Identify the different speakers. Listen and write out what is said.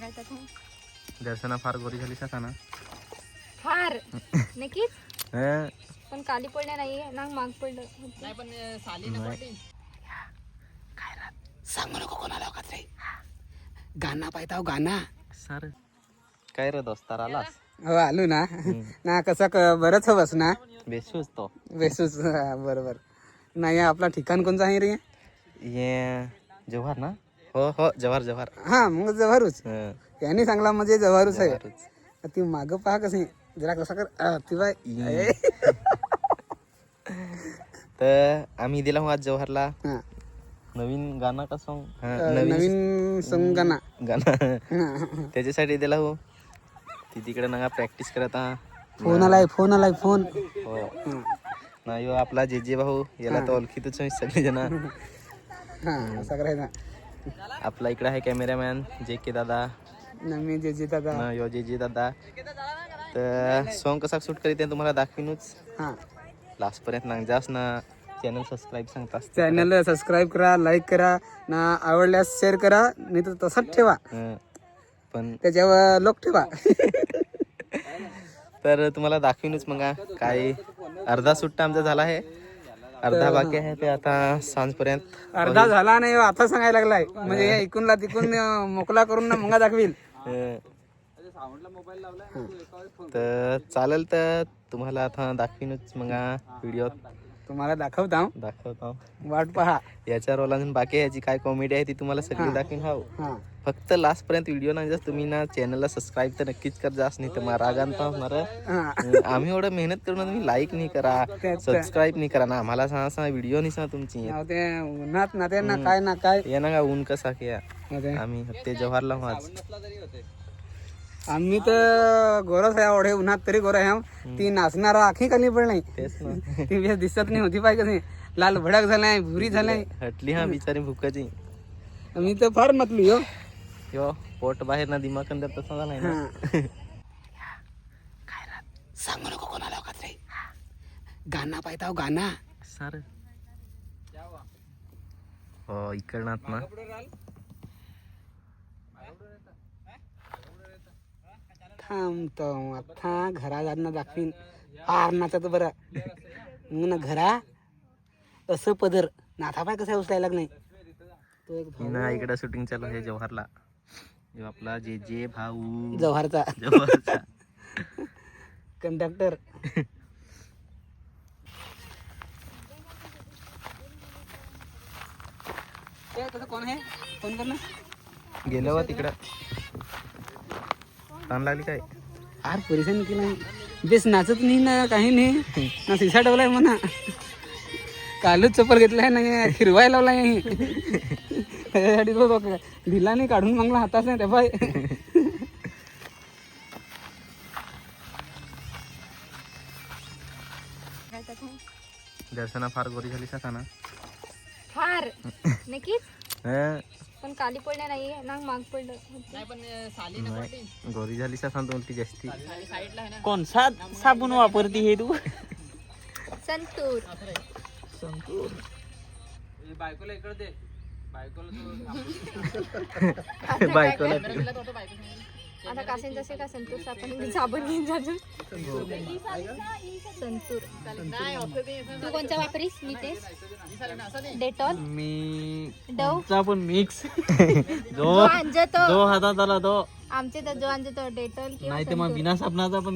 Speaker 1: दर्शना फार गोरी झाली का ना
Speaker 2: फार नक्कीच पण काली पडले नाही नांग माग पडलं नाही पण साली ना पडली
Speaker 3: काय रात सांगू नको कोणाला का रे गाणं पाहताव गाणं
Speaker 1: सर काय रे दोस्तार आलास
Speaker 3: हो आलो ना ना कसं बरंच हवंस ना
Speaker 1: बेसूस तो
Speaker 3: बेसूस बरोबर नाही आपला ठिकाण कोणतं आहे रे
Speaker 1: ये जव्हार ना हो हो जव्हार जव्हार
Speaker 3: हा मग जव्हारूच यांनी सांगला म्हणजे जव्हारूच आहे ती माग पहा कसे जरा कसा कर ती बाय
Speaker 1: तर आम्ही दिला आज जव्हारला
Speaker 3: हा
Speaker 1: नवीन गाणं का सॉन्ग
Speaker 3: नवीन सॉन्ग
Speaker 1: गाणं त्याच्यासाठी दिला हो ती तिकडे ना प्रॅक्टिस करत
Speaker 3: फोन आलाय फोन
Speaker 1: हो नाही हो आपला जे जे भाऊ याला तर ओळखीतच सगळे जण
Speaker 3: हा असं करायचं
Speaker 1: आपला इकडे आहे कॅमेरामॅन जे के दादा
Speaker 3: मी जे दादा
Speaker 1: यो जे दादा तर सॉन्ग कसा शूट करीत तुम्हाला दाखवीनच
Speaker 3: हा
Speaker 1: लास्ट पर्यंत ना जास ना चॅनल सबस्क्राईब सांगतास
Speaker 3: चॅनल सबस्क्राईब करा लाईक करा ना आवडल्यास शेअर करा नाही तर तसंच ठेवा
Speaker 1: पण
Speaker 3: त्याच्यावर लोक ठेवा
Speaker 1: तर तुम्हाला दाखवीनच मग काय अर्धा सुट्टा आमचा झाला आहे अर्धा बाकी आहे ते आता सांजपर्यंत
Speaker 3: अर्धा झाला नाही आता सांगायला लागलाय म्हणजे ऐकूनला तिकून मोकला करून ना मग दाखवील
Speaker 1: तर चालेल तर तुम्हाला आता दाखवीनच मग व्हिडिओ
Speaker 3: तुम्हाला दाखवता
Speaker 1: दाखवतो
Speaker 3: वाट पहा
Speaker 1: याच्या रोल अजून बाकी आहे याची काय कॉमेडी आहे ती तुम्हाला सगळी दाखवीन हो
Speaker 3: हा
Speaker 1: फक्त लास्ट पर्यंत व्हिडिओ ना जस्ट तुम्ही ना चॅनलला सबस्क्राईब तर नक्कीच कर जास नाही तर मला रागान होणार आम्ही एवढं मेहनत करून तुम्ही लाईक नाही करा सबस्क्राईब नाही करा ना आम्हाला सांगा व्हिडिओ नाही सांगा तुमची
Speaker 3: ते उन्हात ना ते ना काय ना काय
Speaker 1: ये ना का ऊन कसा की आम्ही ते जव्हारला हो आज
Speaker 3: आम्ही तर गोरस आहे ओढे उन्हात तरी गोर आहे ती नाचणारा आखी खाली पण नाही
Speaker 1: तेच ना
Speaker 3: ती दिसत नाही होती पाहिजे कशी लाल भडक झालाय भुरी झालाय
Speaker 1: हटली हा बिचारी भुकाची
Speaker 3: मी तर फार मतली हो
Speaker 1: यो पोट बाहेर ना दिमाग अंदर तसा झालाय ना
Speaker 3: काय रात सांगू नको कोणाला का रे गाणं पाहताव गाणं
Speaker 1: सर हो इकडनात ना
Speaker 3: थांबतो आता घरा जाणं दाखवीन फार नाचत बरं मग ना घरा असं पदर नाथा पाय कसा उचलायला नाही तो एक
Speaker 1: ना इकडे शूटिंग चालू आहे जव्हारला जो आपला जे जे भाऊ
Speaker 3: जव्हारचा
Speaker 1: जव्हारचा
Speaker 3: कंडक्टर तसं कोण आहे फोन कर ना
Speaker 1: गेलो वा तिकडं ताण लागली काय
Speaker 3: आर परेशान केला बेस नाचत नाही ना काही नाही ना सिसा ठेवलाय म्हणा कालच चप्पल घेतलाय ना हिरवाय लावलाय त्याच्यासाठी तो ढिला नाही काढून मागला हाताच नाही त्या पाय
Speaker 1: दर्शना फार गोरी झाली का ना
Speaker 2: फार नक्कीच पण काली पडले नाही नांग माग पडलं नाही पण साली ना पडली
Speaker 1: गोरी झाली का सांगतो उलटी जास्ती
Speaker 4: कोण साबण वापरती हे तू
Speaker 2: संतूर
Speaker 4: बायकोला इकडे दे
Speaker 1: बायकोला
Speaker 2: आता कासेन जसे का संतूर साबण साबण घेऊन जातो संतूर तू कोणचा वापरीस मी तेच डेटॉल
Speaker 4: मी
Speaker 2: डव
Speaker 4: पण मिक्स
Speaker 2: जो अंजतो
Speaker 4: जो हातात आला तो
Speaker 2: आमचे तर जो अंजतो डेटॉल किंवा
Speaker 4: नाही तर मग बिना साबणाचा पण